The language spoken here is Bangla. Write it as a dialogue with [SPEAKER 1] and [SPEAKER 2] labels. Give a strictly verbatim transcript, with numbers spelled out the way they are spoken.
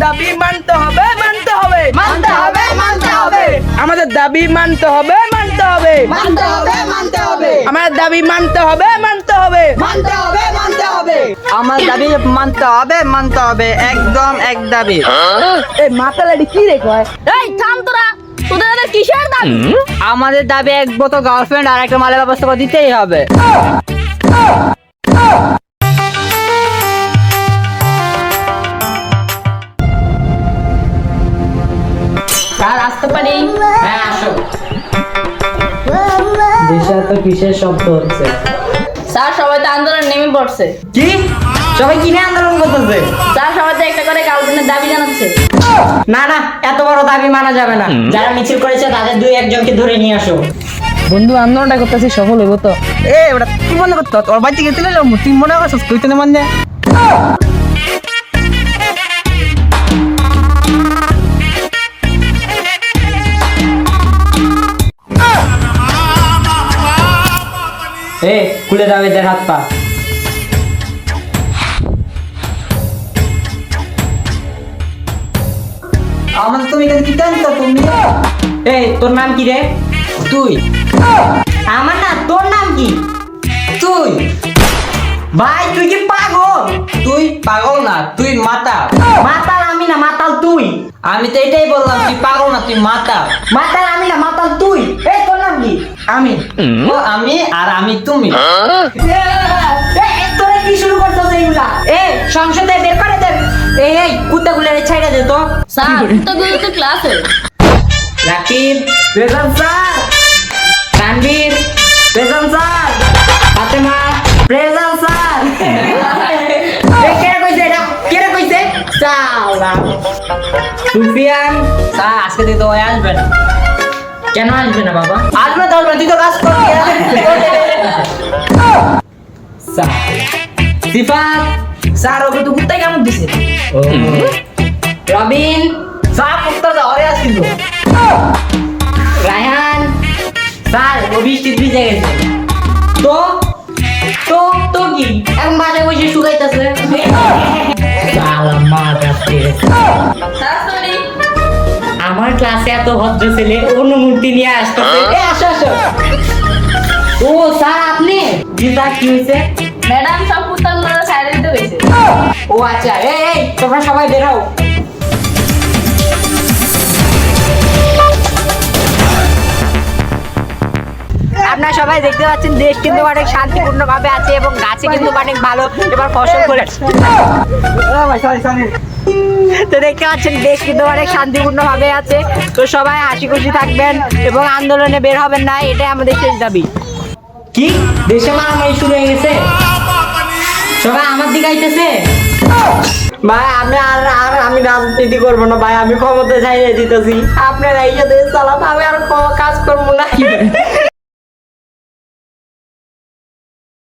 [SPEAKER 1] দাবি মানতে হবে মানতে হবে
[SPEAKER 2] মানতে হবে মানতে হবে
[SPEAKER 1] আমাদের দাবি মানতে হবে মানতে হবে
[SPEAKER 2] মানতে হবে মানতে হবে
[SPEAKER 1] আমাদের দাবি মানতে হবে মানতে হবে
[SPEAKER 2] মানতে হবে মানতে হবে
[SPEAKER 3] আমার দাবি মানতে হবে মানতে হবে একদম এক দাবি।
[SPEAKER 1] এই মাতালাডি কি রে কয়?
[SPEAKER 4] এই থাম তোরা, তোদের এদের কিসের দাবি?
[SPEAKER 3] আমাদের দাবি এক বোতল গার্লফ্রেন্ড আর একটা মালের ব্যবস্থা করে দিতেই হবে।
[SPEAKER 4] স্যার আসতে পারি?
[SPEAKER 3] হ্যাঁ আসো। দিশা তো কিসের শব্দ হচ্ছে?
[SPEAKER 4] স্যার সবাই তো আন্দোলন নেমে পড়ছে।
[SPEAKER 3] কি সবাই কিনে আন্দোলন করতেছে?
[SPEAKER 4] স্যার সবাই তো একটা করে গার্লফ্রেন্ডের দাবি জানাচ্ছে।
[SPEAKER 3] না না এত বড় দাবি মানা যাবে না। যারা মিছিল করেছে তাদের দুই একজনকে ধরে নিয়ে আসো।
[SPEAKER 1] বন্ধু আন্দোলনটা করতেছি সফল হইব তো?
[SPEAKER 3] এ ওটা তুই মনে করতো তোর বাড়িতে গেছিলে তুই মনে করছিস তুই তো মানে এ খুলে যাবে এদের হাত পা। আমাদের তুমি এখানে কি জানতো তুমি? এই তোর নাম কি রে? তুই। আমার না তোর নাম কি? তুই। ভাই তুই কি পাগল? তুই পাগল না তুই মাতাল। মাতাল আমি না মাতাল তুই। আমি তো এটাই বললাম তুই পাগল না তুই মাতাল। মাতাল আমি না মাতাল তুই। এই তোর নাম কি? আমি। ও আমি আর আমি তুমি। তোরা কি শুরু করছিস এইগুলা? এ সংসদে বের করে দে। এই এই কুত্তাগুলো ছাইড়া দে তো।
[SPEAKER 4] স্যার তো গুলো তো ক্লাসে।
[SPEAKER 3] Rakib present sir. Tanvir present sir. Fatema present sir. এই কে কইছে এটা? কে কইছে? সালা সুফিয়ান স্যার আজকে তুই তো আসবে না। কেন আসবে না বাবা? আসবে তো আসবে তুই তো কাজ করবি। স্যার সিফাত
[SPEAKER 1] স্যার ওকে তো কুত্তাই কেমন দিছে?
[SPEAKER 3] রবিন স্যার কুত্তা ধরে আসছিল। রায়হান স্যার ও বৃষ্টিতে ভিজে গেছে। তো তো তো কি এখন বাসায় বসে শুকাইতেছে। সালা মা কাছে
[SPEAKER 4] স্যার সরি।
[SPEAKER 3] আমার ক্লাসে এত ভদ্র ছেলে অনুমতি নিয়ে আসতেছে। এ আসো আসো। ও স্যার আপনি? জি স্যার কি হয়েছে?
[SPEAKER 4] ম্যাডাম সব কুত্তাগুলো সাইডে দিতে হয়েছে।
[SPEAKER 3] ও আচ্ছা এই এই তোমরা সবাই বের হও। আপনারা সবাই দেখতে পাচ্ছেন দেশ কিন্তু অনেক শান্তিপূর্ণ ভাবে আছে এবং গাছে কিন্তু অনেক ভালো এবার ফসল করে। তো দেখতে পাচ্ছেন দেশ কিন্তু অনেক শান্তিপূর্ণ ভাবে আছে। তো সবাই হাসি খুশি থাকবেন এবং আন্দোলনে বের হবেন না, এটাই আমাদের শেষ দাবি। কি দেশে মারামারি শুরু হয়ে গেছে? সবাই আমার দিকে আইতেছে। ভাই আমি আর আর আমি রাজনীতি করবো না ভাই, আমি ক্ষমতা চাইলে দিতেছি। আপনারা এই যে দেশ চালাতে আমি আর কাজ করবো না।